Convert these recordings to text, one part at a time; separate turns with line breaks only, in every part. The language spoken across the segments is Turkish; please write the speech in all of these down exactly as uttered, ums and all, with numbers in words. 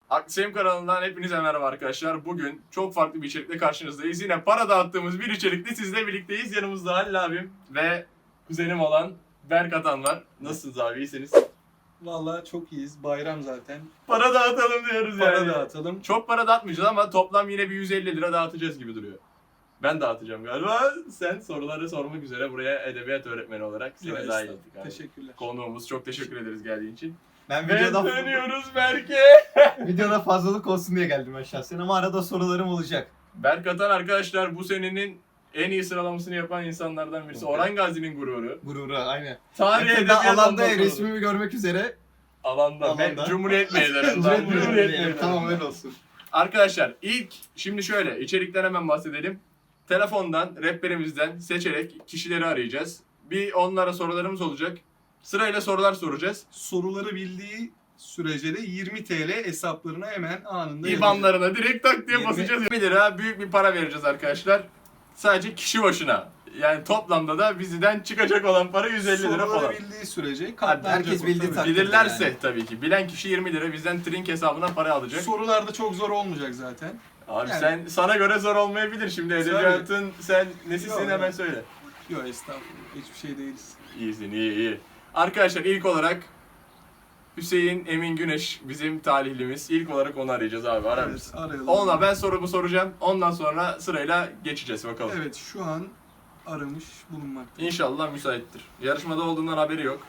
Aklisem kanalından hepinize merhaba arkadaşlar. Bugün çok farklı bir içerikle karşınızdayız. Yine para dağıttığımız bir içerikle sizle birlikteyiz. Yanımızda Halil abim ve kuzenim olan Berk Atan var. Nasılsınız abi, iyisiniz?
Vallahi çok iyiyiz. Bayram zaten.
Para dağıtalım diyoruz
Para
yani.
dağıtalım.
Çok para dağıtmayacağız ama toplam yine bir yüz elli lira dağıtacağız gibi duruyor. Ben dağıtacağım galiba. Sen soruları sormak üzere buraya edebiyat öğretmeni olarak seni
Yok,
dahil
estağfurullah.
ettik abi.
Teşekkürler.
Konuğumuz, çok teşekkür ederiz geldiğin için.
Ben
Ve
videoda,
dönüyoruz Berk'e.
videoda fazlalık olsun diye geldim ben şahsen ama arada sorularım olacak.
Berk Atan arkadaşlar bu senenin en iyi sıralamasını yapan insanlardan birisi. Orhan Gazi'nin gururu.
Gurura aynen.
Tarih
Yakında
edebiyat
alanda
ondan sonra.
resmimi görmek üzere.
Alanda.
Alanda.
Ve Cumhuriyet meydanından. Cumhuriyet meydanından.
Tamam öyle olsun.
Arkadaşlar ilk şimdi şöyle içerikten hemen bahsedelim. Telefondan, rehberimizden seçerek kişileri arayacağız. Bir onlara sorularımız olacak. Sırayla sorular soracağız.
Soruları bildiği sürece de yirmi TL hesaplarına hemen anında yazacak.
İbanlarına direkt tak diye
yirmi
basacağız. bir lira büyük bir para vereceğiz arkadaşlar. Sadece kişi başına. Yani toplamda da bizden çıkacak olan para yüz elli lira
Soruları
falan.
bildiği sürece
Abi
katlanacak.
herkes
o
bildiği
tabii.
takdirde
Bilirlerse
yani.
tabii ki. Bilen kişi yirmi lira bizden trink hesabına para alacak.
Sorular da çok zor olmayacak zaten.
Abi
Yani-
sen sana göre zor olmayabilir şimdi edebiyatın sen nesisin
Yok,
hemen
yok.
söyle.
Yok estağfurullah. Hiçbir şey değiliz.
İyisin iyi iyi. Arkadaşlar ilk olarak Hüseyin Emin Güneş bizim talihlimiz. İlk olarak onu arayacağız abi, arar
Evet,
mısın?
arayalım.
Onunla ben sorumu soracağım. Ondan sonra sırayla geçeceğiz bakalım.
Evet şu an aramış bulunmakta.
İnşallah müsaittir. Yarışmada olduğundan haberi yok.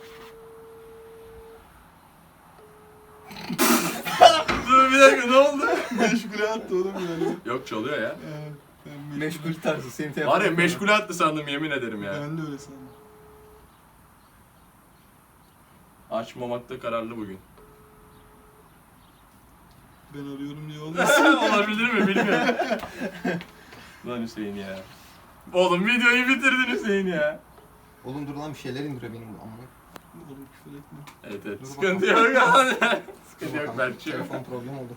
Dur bir dakika, ne oldu?
Meşgule attı oğlum yani.
Yok, çalıyor ya.
Evet, ben
Meşgul tarzı senin telefonun.
Var ya, meşgule attı sandım, yemin ederim ya.
Ben de öyle sandım.
Açmamakta kararlı bugün.
Ben arıyorum diye olmasın.
Olabilir mi bilmiyorum. Lan Hüseyin ya. Oğlum videoyu bitirdin Hüseyin ya.
Oğlum dur lan bir şeyler indiriyor benim bu amma.
Oğlum küfür etme.
Evet evet,
Dur
sıkıntı
bakalım.
yok abi.
Dur
Sıkıntı yok
bakalım,
Berk'ciğim.
telefon problem oldu.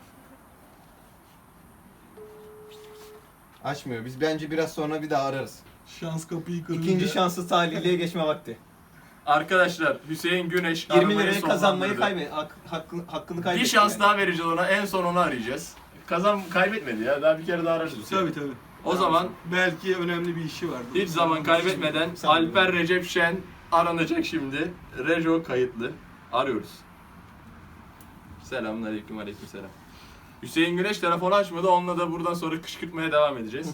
Açmıyor. Biz bence biraz sonra bir daha ararız.
Şans kapıyı kırınca.
İkinci şansı talihliye geçme vakti.
Arkadaşlar Hüseyin Güneş
yirmi
aramayı
lirayı kazanmayı
sonlandırdı.
kaybet. Hak, hakkını, hakkını kaybetti.
Bir şans
yani.
daha vereceğiz ona, en son onu arayacağız. Kazan kaybetmedi ya, daha bir kere daha ararız Hüseyin.
Tabii tabii.
O zaman
Belki önemli bir işi vardı.
hiç zaman kaybetmeden
Sanmıyorum.
Alper Recep Şen aranacak şimdi. Rejo kayıtlı. Arıyoruz. Selamünaleyküm, aleykümselam. Hüseyin Güneş telefonu açmadı. Onunla da buradan sonra kışkırtmaya devam edeceğiz.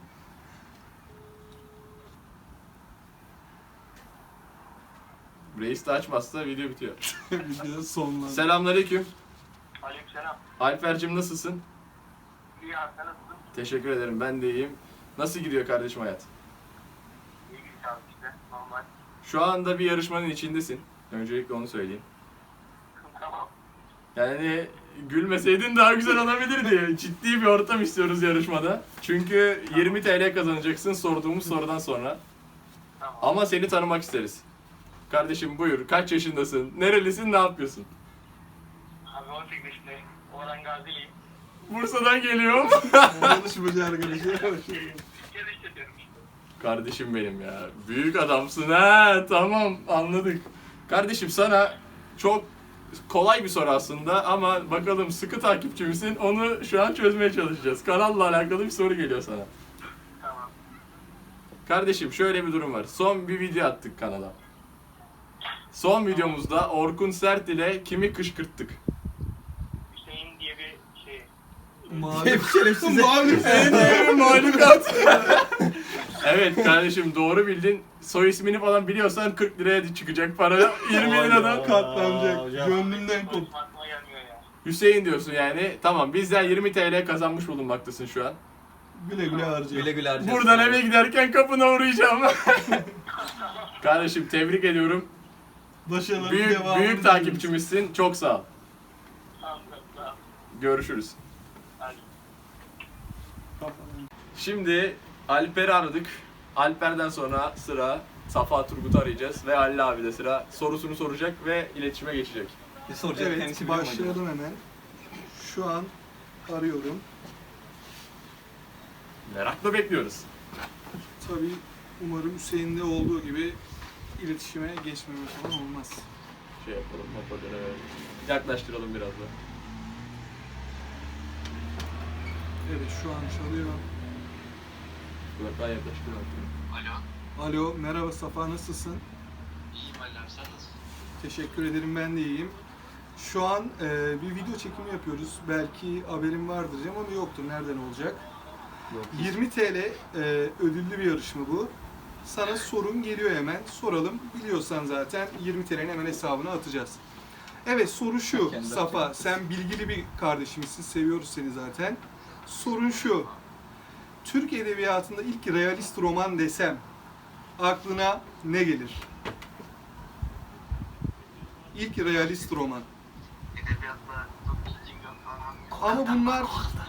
Reis de açmazsa video bitiyor.
Video sonlandı.
Selamünaleyküm.
Aleykümselam.
Alper'cim nasılsın?
İyi abi, sen nasılsın?
Teşekkür ederim, ben de iyiyim. Nasıl gidiyor kardeşim hayat?
İyi gidiyor abi işte, normal.
Şu anda bir yarışmanın içindesin. Öncelikle onu söyleyeyim.
Tamam.
Yani gülmeseydin daha güzel olabilirdi. Ciddi bir ortam istiyoruz yarışmada. Çünkü yirmi TL kazanacaksın sorduğumuz sorudan sonra.
Tamam.
Ama seni tanımak isteriz. Kardeşim buyur, kaç yaşındasın, nerelisin, ne yapıyorsun?
Abi on sekiz yaşındayım. Orhan Gaziliyim.
Bursa'dan geliyorum.
Yarışmacı arkadaşlar.
Kez işletiyorum işte.
Kardeşim benim ya, büyük adamsın ha, tamam anladık. Kardeşim sana çok kolay bir soru aslında ama bakalım sıkı takipçi misin, onu şu an çözmeye çalışacağız. Kanalla alakalı bir soru geliyor sana.
Tamam.
Kardeşim şöyle bir durum var. Son bir video attık kanala. Son videomuzda Orkun Sert ile kimi kışkırttık?
Hüseyin diye bir şey.
Mavi.
Hep şerefsize.
En mahlukat. Evet kardeşim, doğru bildin. Soy ismini falan biliyorsan kırk liraya çıkacak para. yirmi liradan kat.
Katlanacak.
hocam.
Gönlümden kop.
Aklıma aklıma gelmiyor ya.
Hüseyin diyorsun yani. Tamam, bizden yirmi TL kazanmış bulunmaktasın şu an.
Güle güle harca.
Güle güle harcayacağız.
Buradan eve giderken kapına uğrayacağım. Kardeşim tebrik ediyorum.
Başarıların
Büyük
devamını
büyük
diliyoruz.
takipçimizsin. Çok sağ ol.
Tamam, tamam.
Görüşürüz.
Hadi.
Şimdi Alper'i aradık. Alper'den sonra sıra Safa Turgut'u arayacağız ve Halil abi de sıra sorusunu soracak ve iletişime geçecek.
Bir soracak
Evet
kendisi biliyor mu acaba?
başlayalım hemen. Şu an arıyorum.
Merakla bekliyoruz.
Tabii umarım Hüseyin'de olduğu gibi iletişime geçmeme falan olmaz.
Şey yapalım, hoparlöre verelim. Yaklaştıralım biraz da.
Evet şu an çalıyor.
Burak daha yaklaştı.
Alo.
Alo merhaba Safa nasılsın?
İyiyim Allah'ım, sen nasılsın?
Teşekkür ederim ben de iyiyim. Şu an e, bir video çekimi yapıyoruz. Belki haberin vardır diyeceğim ama yoktur. Nereden olacak? yirmi T L e, ödüllü bir yarışma bu. Sana sorun geliyor hemen. Soralım. Biliyorsan zaten yirmi T L'nin hemen hesabına atacağız. Evet soru şu.
Kendi
Safa
atacağım.
sen bilgili bir kardeşimizsin. Seviyoruz seni zaten. Sorun şu. Türk Edebiyatı'nda ilk realist roman desem aklına ne gelir? İlk realist roman.
Edebiyatta çok bilgim yok falan.
Ama bunlar...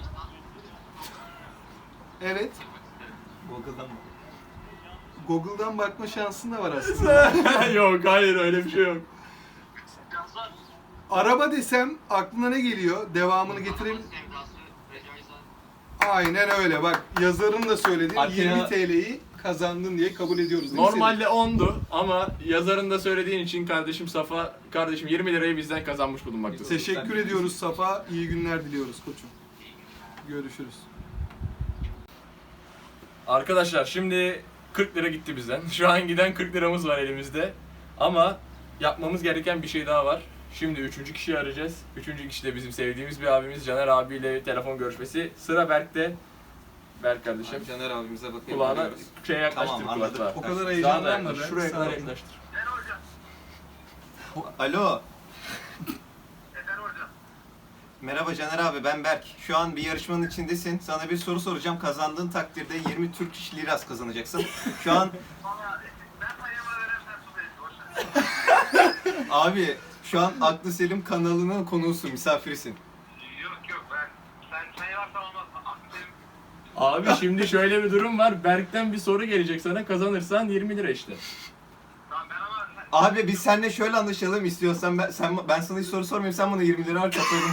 Evet.
Google'dan mı?
Google'dan bakma şansın da var aslında.
Yok hayır öyle bir şey yok.
Biraz zor.
Araba desem aklına ne geliyor? Devamını getirelim.
Sevdası, Recai Zan.
Aynen öyle. Bak yazarın da söyledi.
Atina-
yirmi T L'yi kazandın diye kabul ediyoruz. değil mi
Normalde ondu ama yazarın da söylediğin için kardeşim Safa, kardeşim yirmi lirayı bizden kazanmış
Senin?
bulunmaktasın.
Teşekkür ediyoruz Safa. İyi günler diliyoruz koçum. Görüşürüz.
Arkadaşlar şimdi kırk lira gitti bizden. Şu an giden kırk liramız var elimizde. Ama yapmamız gereken bir şey daha var. Şimdi üçüncü kişiyi arayacağız. Üçüncü kişi de bizim sevdiğimiz bir abimiz Caner abiyle telefon görüşmesi. Sıra Berk'te. Berk kardeşim.
Abi Caner abimize bakayım.
Kulağına
Biliyoruz.
şey yaklaştır
Tamam, anladım.
kulakla.
O kadar
Daha da
heyecanlanma
yaklaş,
be.
şuraya kadar
Sakin.
yaklaştır.
Ben hocam.
Alo.
Efendim hocam.
Merhaba Caner abi ben Berk. Şu an bir yarışmanın içindesin. Sana bir soru soracağım. Kazandığın takdirde yirmi Türk İş Liras kazanacaksın. Şu an
Valla ben payımı veremem, su verin. Boşver.
abi şu an Aklı Selim kanalının konuğusun, misafirisin.
Yok yok ben. Sen çayı varsa olmaz. Aklım.
Abi şimdi şöyle bir durum var. Berk'ten bir soru gelecek sana. Kazanırsan yirmi lira işte.
Tamam ben ama.
Abi biz seninle şöyle anlaşalım istiyorsan ben, sen, ben sana hiç soru sormayayım sen bana yirmi lira harç atalım.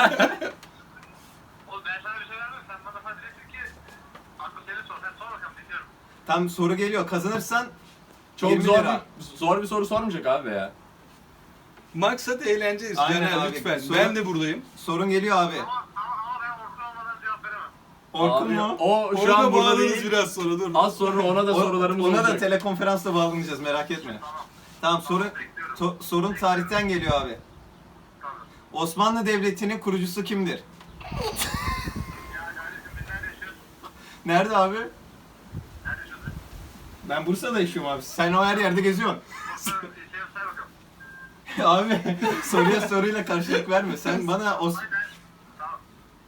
Oğlum ben sana bir şey vermem. Sen bana sadece diyeceksin ki. Aklı seni sor. Sen sor bakalım dinliyorum.
Tam soru geliyor. Kazanırsan
Çok
yirmi
zor
lira.
bir, zor bir soru sormayacak abi ya.
Maksat eğleneceğiz.
Aynen
Caner
abi.
lütfen.
Sonra-
Ben de buradayım.
sorun geliyor abi.
Ama, ama, ama ben Orkun olmadan cevap veremem.
Orkun
Abi,
mu?
O şu
Orada
an burada
bağlarız
değil.
biraz sonra dur.
Az sonra ona da
O-
sorularımız
Ona da
olacak.
telekonferansla bağlanacağız merak etme.
Tamam.
Tamam sorun
Bekliyorum.
to- sorun tarihten geliyor abi.
Tamam.
Osmanlı Devleti'nin kurucusu kimdir?
Ya kardeşim biz nerede yaşıyoruz?
Nerede abi?
Nerede yaşıyoruz?
Ben Bursa'da yaşıyorum abi. Sen o her yerde geziyorsun.
Bursa şey say bakalım.
Abi soruya soruyla karşılık verme. Sen bana Os
Hayır ben. Tamam.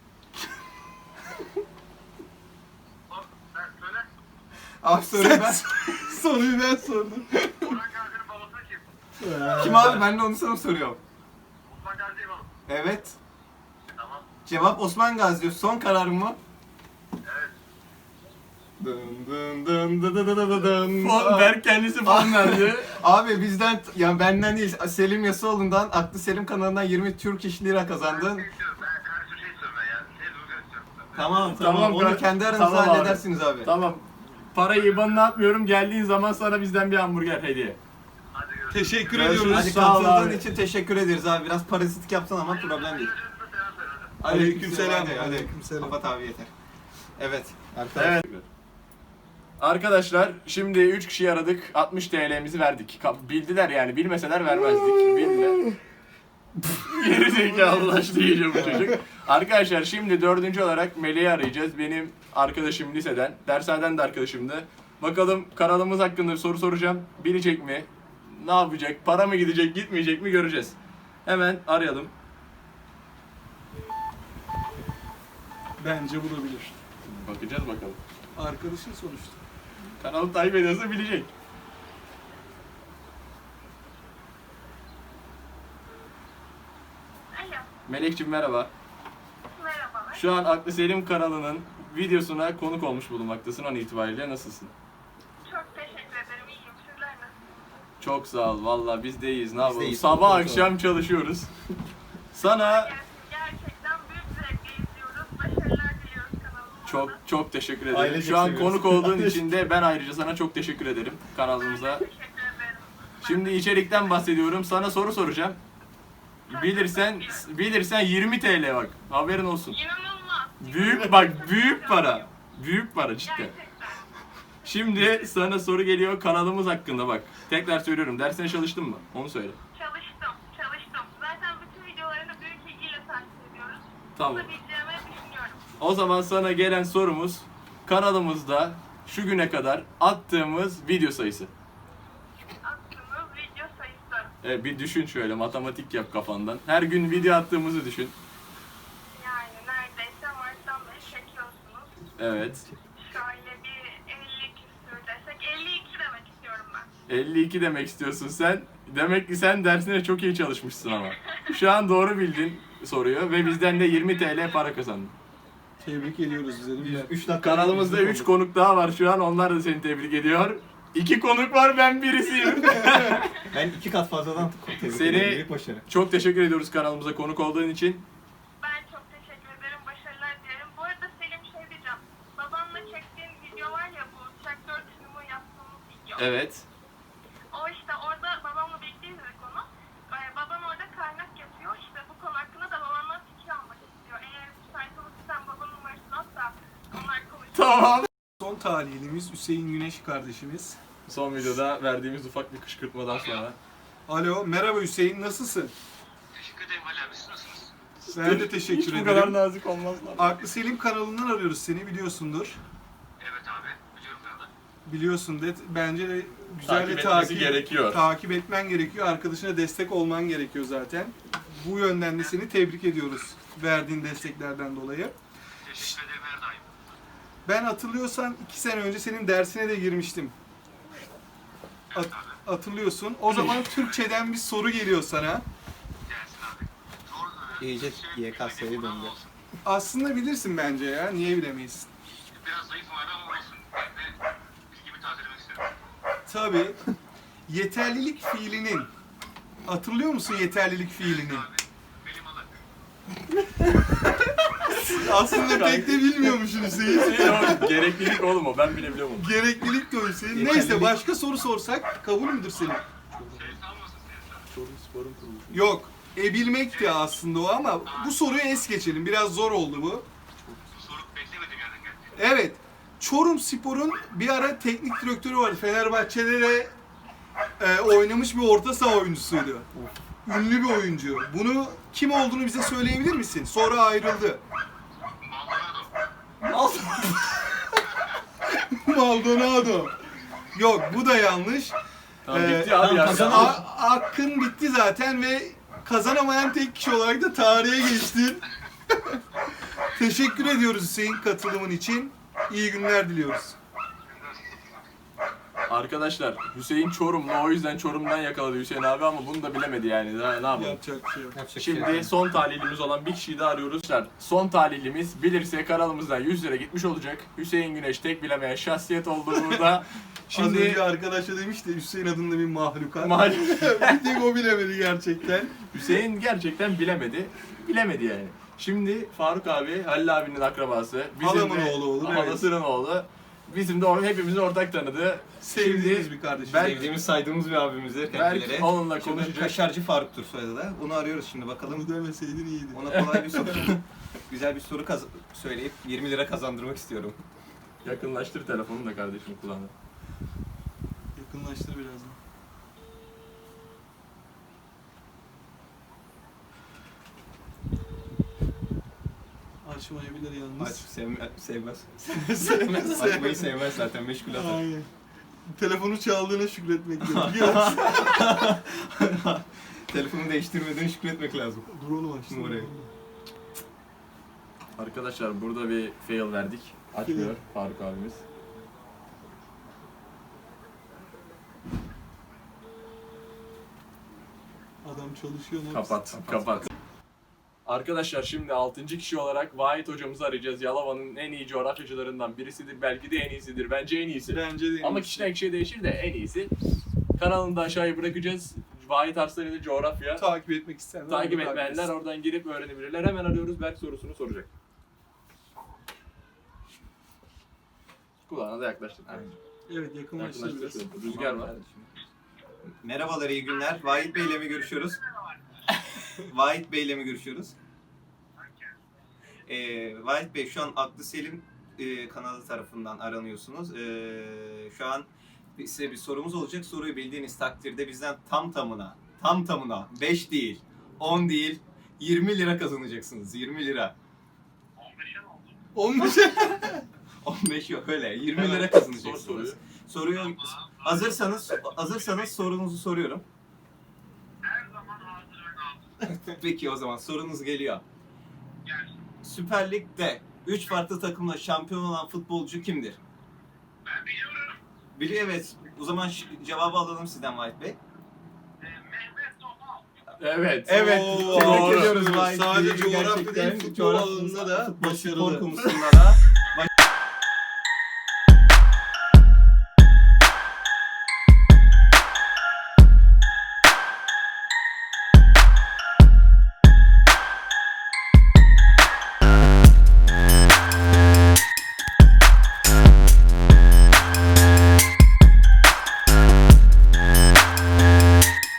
O, sen söyle.
abi soruyu ben.
Soruyu ben sordum.
Orhan Gazi'nin babası kim?
Kim abi? Ben de onu sana soruyorum.
Osman Gazi'yi babası.
Evet.
Tamam.
Cevap Osman Gazi diyor. Son kararın mı?
Evet.
Dın dın dın dın dın dın dın dın.
Fon, Berk kendisi fon verdi.
Abi bizden, yani benden değil, Selim Yasoğlu'ndan, Aklı Selim kanalından yirmi Türk İş Lira
Ben
kazandın.
şey istiyorum. Ben karşı şey istiyorum ben ya. Şey rüzgar istiyorum.
Tamam tamam,
Tamam,
onu
kar-
kendi aranızda
tamam abi.
halledersiniz abi.
Tamam. Parayı IBAN'ına atmıyorum. Geldiğin zaman sana bizden bir hamburger hediye.
Hadi görüşürüz.
Teşekkür
Görüşürüz.
ediyoruz.
Hadi
Sağ ol
katıldığın
abi.
için teşekkür ederiz abi. Biraz parazitik yaptın ama problem değil.
Aleykümselam.
Hadi, hadi.
Aleykümselam.
Kapat abi yeter. Evet.
Evet. Arkadaşlar şimdi üç kişiyi aradık. altmış T L'mizi verdik. Ka- Bildiler yani. Bilmeseler vermezdik. Bildiler. Geri zekalılaştı iyice bu çocuk. Arkadaşlar şimdi dördüncü olarak Melih'i arayacağız. Benim arkadaşım liseden. Dershaneden de arkadaşımdı. Bakalım kanalımız hakkında bir soru soracağım. Bilecek mi? Ne yapacak? Para mı gidecek, gitmeyecek mi göreceğiz. Hemen arayalım.
Bence bulabilir.
Bakacağız bakalım.
Arkadaşın sonuçta.
Kanalı takip ediyorsa bilecek.
Alo,
Melekciğim merhaba.
merhabalar.
Şu an Aklı Selim kanalının videosuna konuk olmuş bulunmaktasın an itibariyle. Nasılsın?
Çok teşekkür ederim, iyiyim. Sizler nasılsınız?
Çok sağ ol. Valla biz de iyiyiz. Ne yapalım?
iyiyiz.
Sabah
Çok
akşam çalışıyoruz. Sana
Gelsin, gerçekten büyük zevkle izliyoruz. Başarılar diliyoruz kanalımıza.
çok çok teşekkür ederim.
Ailecek
Şu an
seviyoruz.
konuk olduğun için de ben ayrıca sana çok teşekkür ederim kanalımıza.
Teşekkür ederim.
Şimdi içerikten bahsediyorum. Sana soru soracağım. Bilirsen bilirsen yirmi T L bak. Haberin olsun.
İnanılmaz.
Büyük bak büyük para. Büyük para cidden.
Gerçekten.
Şimdi sana soru geliyor kanalımız hakkında bak. Tekrar söylüyorum. Dersine çalıştın mı? Onu söyle.
Çalıştım, çalıştım. Zaten bütün videolarını büyük ilgiyle takip ediyoruz.
Tamam.
Bulabileceğimi düşünüyorum.
O zaman sana gelen sorumuz kanalımızda şu güne kadar attığımız video sayısı.
Attığınız video sayısı.
Evet, bir düşün şöyle matematik yap kafandan. Her gün video attığımızı düşün.
Yani neredeyse Mart'tan beri çekiyorsunuz.
Evet.
Şöyle bir elli küsür desek. elli iki demek istiyorum ben.
elli iki demek istiyorsun sen. Demek ki sen dersine çok iyi çalışmışsın ama. Şu an doğru bildin soruyu ve bizden de yirmi T L para kazandın.
Tebrik ediyoruz üzerinde.
üç dakika
Kanalımızda üç konuk daha var şu an. Onlar da seni tebrik ediyor. iki konuk var, ben birisiyim.
Ben iki kat fazladan tebrik
Seni-
ederim. Büyük başarı.
Çok teşekkür ediyoruz kanalımıza konuk olduğun için.
Ben çok teşekkür ederim. Başarılar dilerim. Bu arada Selim şey diyeceğim. Babanla çektiğin video var ya, bu traktör sunumu yaptığımız video.
Evet.
O işte orada babamla birlikte izledik onu. Ee, baban orada kaynak yapıyor. İşte bu konu hakkında da babandan fikir almak istiyor. Eğer müsait olursan babanın numarasını at da onlar konuşur.
Tamam.
Son talihlimiz Hüseyin Güneş kardeşimiz.
Son videoda verdiğimiz ufak bir kışkırtmadan sonra.
Alo, merhaba Hüseyin, nasılsın?
Teşekkür ederim Ali abi. Siz nasılsınız?
Ben de teşekkür
Hiç
ederim.
bu kadar nazik olmazlar.
Aklı Selim kanalından arıyoruz seni, biliyorsundur.
Evet abi. Biliyorum ben de.
Biliyorsun de bence de güzel
Takip
de
etmesi
takip,
gerekiyor.
takip etmen gerekiyor. Arkadaşına destek olman gerekiyor zaten. Bu yönden de seni tebrik ediyoruz verdiğin desteklerden dolayı.
Teşekkür ederim her daim.
Ben hatırlıyorsan iki sene önce senin dersine de girmiştim. At- hatırlıyorsun. O zaman Türkçeden bir soru geliyor sana.
Gelsin abi. Zor, e,
İyice
şey,
Y K S'ye
benim
döndü.
kulağım olsun.
Aslında bilirsin bence ya. Niye bilemeyiz?
Biraz zayıfım abi ama olsun. Ben de bilgimi tazelemek istedim.
Tabii. Yeterlilik fiilinin. Hatırlıyor musun yeterlilik fiilini?
Abi. Benim alı.
Aslında pek de bilmiyormuşsun Hüseyin.
Şey, o gereklilik oğlum o, ben bile biliyorum onu.
Gereklilik de o Hüseyin.
Yeterlilik-
Neyse başka soru sorsak kabul müdür senin?
Şey salmasın seni.
Çorum Spor'un kuruluşu.
Yok. E bilmekti aslında o ama bu soruyu es geçelim. Biraz zor oldu bu.
Bu soru beklemediğim yerden geldi.
Evet. Çorum Spor'un bir ara teknik direktörü vardı. Fenerbahçe'de de e, oynamış bir orta saha oyuncusuydu. Ünlü bir oyuncu. Bunu kim olduğunu bize söyleyebilir misin? Sonra ayrıldı.
Maldonado.
Maldonado. Yok bu da yanlış.
Tamam
Ee,
bitti abi ya.
kazanalım.
A- Hakkın bitti zaten ve kazanamayan tek kişi olarak da tarihe geçtin. Teşekkür ediyoruz Hüseyin katılımın için. İyi günler diliyoruz.
Arkadaşlar Hüseyin Çorumlu, o yüzden Çorum'dan yakaladı Hüseyin abi ama bunu da bilemedi yani. Ne, ne yapalım?
Yapacak bir şey yok.
Yapacak bir şey
Şimdi
yok.
son talihlimiz olan bir kişiyi daha arıyoruz. Son talihlimiz bilirse kanalımızdan yüz lira gitmiş olacak. Hüseyin Güneş tek bilemeyen şahsiyet oldu burada.
Az
Şimdi
önce arkadaşa demişti Hüseyin adında bir mahlukat.
Maalesef
bir tek o bilemedi gerçekten.
Hüseyin gerçekten bilemedi. Bilemedi yani. Şimdi Faruk abi, Halil abinin akrabası.
Halamın
de-
oğlu olur, evet.
Halasının oğlu. Bizim de or- hepimizin ortak tanıdığı.
Sevdiğimiz
Şimdi
bir kardeşim.
ben-
Sevdiğimiz, saydığımız bir abimizdir
Belki
kendileri.
onunla
Şimdi
konuşacak.
Kaşarcı Faruk'tur soyadı da. Onu arıyoruz şimdi bakalım.
Bunu demeseydin iyiydi.
Ona kolay bir soru, güzel bir soru kaz- söyleyip yirmi lira kazandırmak istiyorum.
Yakınlaştır telefonunu da kardeşim kulağına.
Yakınlaştır birazdan. Açmayabilir
Aç,
yalnız.
sevme, sevmez.
Sevmez.
Açmayı sevmez zaten, meşgul atar.
Aynen. Telefonu çaldığına şükretmek gerekiyor.
Telefonu değiştirmeden şükretmek lazım.
Dur oğlum açtım.
Numarayı.
Arkadaşlar burada bir fail verdik. Açmıyor Faruk abimiz.
Adam çalışıyor. ne
Kapat,
yapsın?
kapat. Arkadaşlar şimdi altıncı kişi olarak Vahit hocamızı arayacağız. Yalova'nın en iyi coğrafyacılarından birisidir. Belki de en iyisidir. Bence en iyisi.
Bence de.
Ama kişiden kişiye değişir de en iyisi. Kanalını da aşağıya bırakacağız. Vahit Arslan'ı coğrafya.
takip etmek isteyenler.
Takip
onu
etmeyenler
etsin.
oradan girip öğrenebilirler. Hemen arıyoruz. Berk sorusunu soracak. Kulağına da yaklaştır.
Evet yakınlaştır biraz.
Yakınlaştır. Rüzgar var.
Merhabalar, iyi günler. Vahit Bey ile mi görüşüyoruz? Vahit Bey ile mi görüşüyoruz? Ee, Vahit Bey şu an Aklı Selim e, kanalı tarafından aranıyorsunuz. Ee, şu an size bir sorumuz olacak. Soruyu bildiğiniz takdirde bizden tam tamına, tam tamına beş değil, on değil, yirmi lira kazanacaksınız. yirmi lira.
on beşe ne oldu?
on beş.
on beş yok öyle. yirmi
Hemen
lira
sor
kazanacaksınız.
soruyu.
Soruyu hazırsanız hazırsanız sorunuzu soruyorum.
Her zaman hazır ve nazır.
Peki o zaman sorunuz geliyor.
Gelsin.
Süper Lig'de üç farklı takımla şampiyon olan futbolcu kimdir?
Ben biliyorum.
Biliyor evet. O zaman ş- cevabı alalım sizden Vahit Bey.
Ee, Mehmet Topal.
Evet.
Evet.
Oo,
tebrik
doğru.
ediyoruz Vahit
Sadece
Bey'i.
coğrafya
Gerçekten
değil, futbol
coğrafya-
alanında da
futbol
başarılı.
spor konusunda da